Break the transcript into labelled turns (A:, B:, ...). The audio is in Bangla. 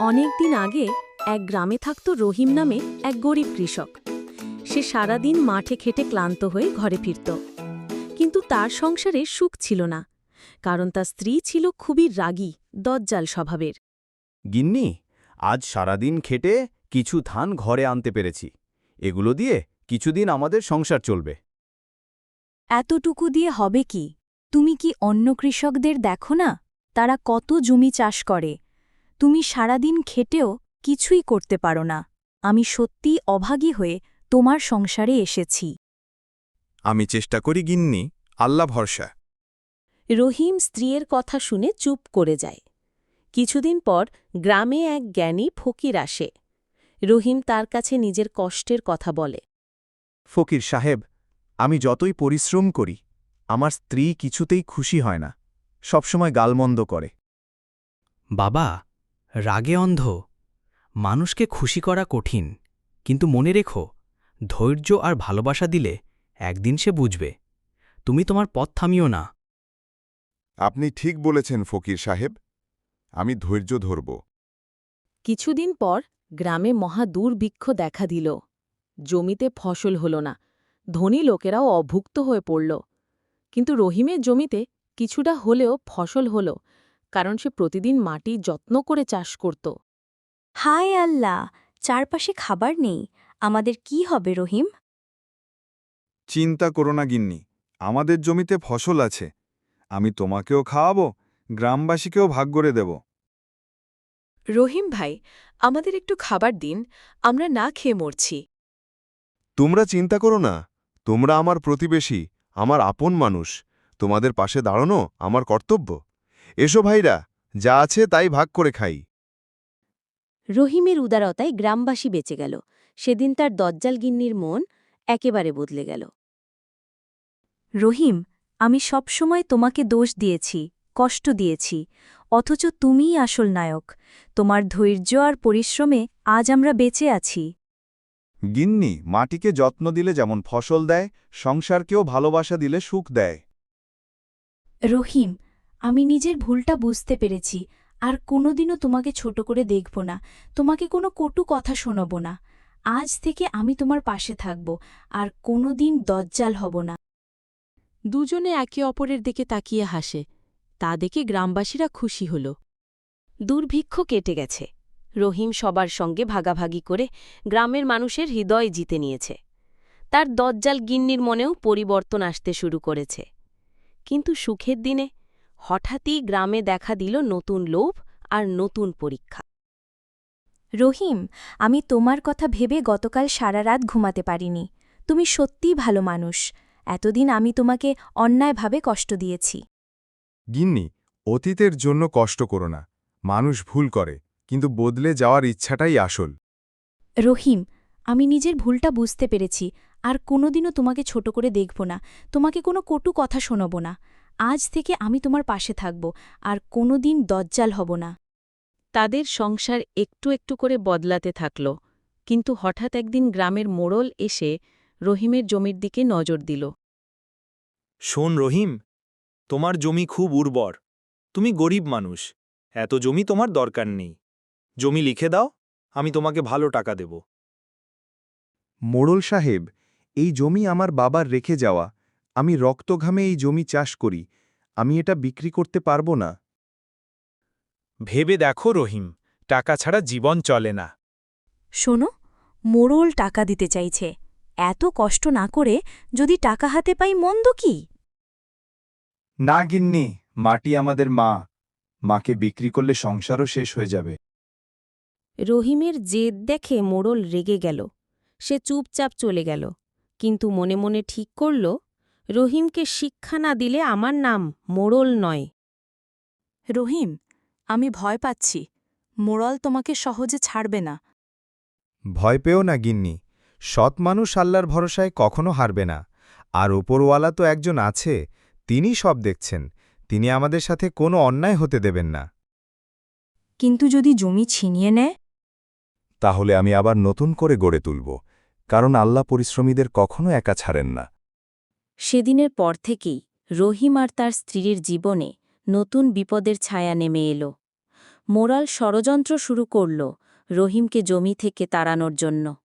A: অনেক দিন আগে এক গ্রামে থাকত রহিম নামে এক গরিব কৃষক। সে সারাদিন মাঠে খেটে ক্লান্ত হয়ে ঘরে ফিরত, কিন্তু তার সংসারে সুখ ছিল না, কারণ তার স্ত্রী ছিল খুবই রাগী, দজ্জাল স্বভাবের।
B: গিন্নি, আজ সারাদিন খেটে কিছু ধান ঘরে আনতে পেরেছি। এগুলো দিয়ে কিছুদিন আমাদের সংসার চলবে।
A: এতটুকু দিয়ে হবে কি? তুমি কি অন্য কৃষকদের দেখো না? তারা কত জমি চাষ করে। তুমি সারাদিন খেটেও কিছুই করতে পারো না। আমি সত্যিই অভাগী হয়ে তোমার সংসারে এসেছি।
C: আমি চেষ্টা করি গিন্নি, আল্লাহ ভরসা।
A: রহিম স্ত্রীর কথা শুনে চুপ করে যায়। কিছুদিন পর গ্রামে এক জ্ঞানী ফকির আসে। রহিম তার কাছে নিজের কষ্টের কথা বলে।
B: ফকির সাহেব, আমি যতই পরিশ্রম করি, আমার স্ত্রী কিছুতেই খুশি হয় না, সবসময় গালমন্দ করে।
D: বাবা, রাগে অন্ধ। মানুষকে খুশি করা কঠিন, কিন্তু মনে রেখো, ধৈর্য আর ভালোবাসা দিলে একদিন সে বুঝবে। তুমি তোমার পথ থামিও না।
C: আপনি ঠিক বলেছেন ফকির সাহেব, আমি ধৈর্য ধরব।
A: কিছুদিন পর গ্রামে মহা দুর্ভিক্ষ দেখা দিল। জমিতে ফসল হল না, ধনী লোকেরাও অভুক্ত হয়ে পড়ল। কিন্তু রহিমের জমিতে কিছুটা হলেও ফসল হল, কারণ সে প্রতিদিন মাটি যত্ন করে চাষ করত। হায় আল্লাহ, চারপাশে খাবার নেই, আমাদের কি হবে রহিম?
C: চিন্তা করো না গিন্নি, আমাদের জমিতে ফসল আছে। আমি তোমাকেও খাওয়াবো, গ্রামবাসীকেও ভাগ করে দেব।
A: রহিম ভাই, আমাদের একটু খাবার দিন, আমরা না খেয়ে মরছি।
C: তোমরা চিন্তা করো না, তোমরা আমার প্রতিবেশী, আমার আপন মানুষ। তোমাদের পাশে দাঁড়ানো আমার কর্তব্য। এসো ভাইরা, যা আছে তাই ভাগ করে খাই।
A: রহিমের উদারতায় গ্রামবাসী বেঁচে গেল। সেদিন তার দজ্জাল গিন্নির মন একেবারে বদলে গেল। রহিম, আমি সবসময় তোমাকে দোষ দিয়েছি, কষ্ট দিয়েছি, অথচ তুমিই আসল নায়ক। তোমার ধৈর্য আর পরিশ্রমে আজ আমরা বেঁচে আছি।
B: গিন্নি, মাটিকে যত্ন দিলে যেমন ফসল দেয়, সংসারকেও ভালোবাসা দিলে সুখ দেয়।
A: রহিম, আমি নিজের ভুলটা বুঝতে পেরেছি, আর কোনোদিনও তোমাকে ছোট করে দেখব না, তোমাকে কোনো কটু কথা শোনাব না। আজ থেকে আমি তোমার পাশে থাকব, আর কোনোদিন দজ্জাল হব না। দুজনে একে অপরের দিকে তাকিয়ে হাসে। তা দেখে গ্রামবাসীরা খুশি হল। দুর্ভিক্ষ কেটে গেছে। রহিম সবার সঙ্গে ভাগাভাগি করে গ্রামের মানুষের হৃদয় জিতে নিয়েছে। তার দজ্জাল গিন্নির মনেও পরিবর্তন আসতে শুরু করেছে। কিন্তু সুখের দিনে হঠাৎই গ্রামে দেখা দিল নতুন লোভ আর নতুন পরীক্ষা। রহিম, আমি তোমার কথা ভেবে গতকাল সারা রাত ঘুমাতে পারিনি। তুমি সত্যিই ভালো মানুষ। এতদিন আমি তোমাকে অন্যায়ভাবে কষ্ট দিয়েছি।
C: গিন্নি, অতীতের জন্য কষ্ট করো না। মানুষ ভুল করে, কিন্তু বদলে যাওয়ার ইচ্ছাটাই আসল।
A: রহিম, আমি নিজের ভুলটা বুঝতে পেরেছি, আর কোনোদিনও তোমাকে ছোট করে দেখব না, তোমাকে কোনো কটু কথা শোনাব না। আজ থেকে আমি তোমার পাশে থাকব, আর কোনোদিন দজ্জাল হব না। তাদের সংসার একটু একটু করে বদলাতে থাকল, কিন্তু হঠাৎ একদিন গ্রামের মোড়ল এসে রহিমের জমির দিকে নজর দিল।
E: শোন রহিম, তোমার জমি খুব উর্বর। তুমি গরিব মানুষ, এত জমি তোমার দরকার নেই। জমি লিখে দাও, আমি তোমাকে ভালো টাকা দেব।
B: মোড়ল সাহেব, এই জমি আমার বাবার রেখে যাওয়া। আমি রক্তঘামে এই জমি চাষ করি, আমি এটা বিক্রি করতে পারবো না।
E: ভেবে দেখো রহিম, টাকা ছাড়া জীবন চলে না।
A: শোনো, মোড়ল টাকা দিতে চাইছে। এত কষ্ট না করে যদি টাকা হাতে পাই মন্দ কি?
B: না গিন্নি, মাটি আমাদের মা, মাকে বিক্রি করলে সংসারও শেষ হয়ে যাবে।
A: রহিমের জেদ দেখে মোড়ল রেগে গেল। সে চুপচাপ চলে গেল, কিন্তু মনে মনে ঠিক করল, রহিমকে শিক্ষা না দিলে আমার নাম মোড়ল নয়। রহিম, আমি ভয় পাচ্ছি। মোড়ল তোমাকে সহজে ছাড়বে না।
B: ভয় পেও না গিন্নি, সৎ মানুষ আল্লাহর ভরসায় কখনো হারবে না। আর ওপরওয়ালা তো একজন আছে, তিনি সব দেখছেন। তিনি আমাদের সাথে কোনো অন্যায় হতে দেবেন না।
A: কিন্তু যদি জমি ছিনিয়ে নেয়?
C: তাহলে আমি আবার নতুন করে গড়ে তুলব, কারণ আল্লাহ পরিশ্রমীদের কখনো একা ছাড়েন না।
A: সেদিনের পর থেকেই রহিম আর তার স্ত্রীর জীবনে নতুন বিপদের ছায়া নেমে এল।
F: মোরাল ষড়যন্ত্র শুরু করল রহিমকে জমি থেকে তাড়ানোর জন্য।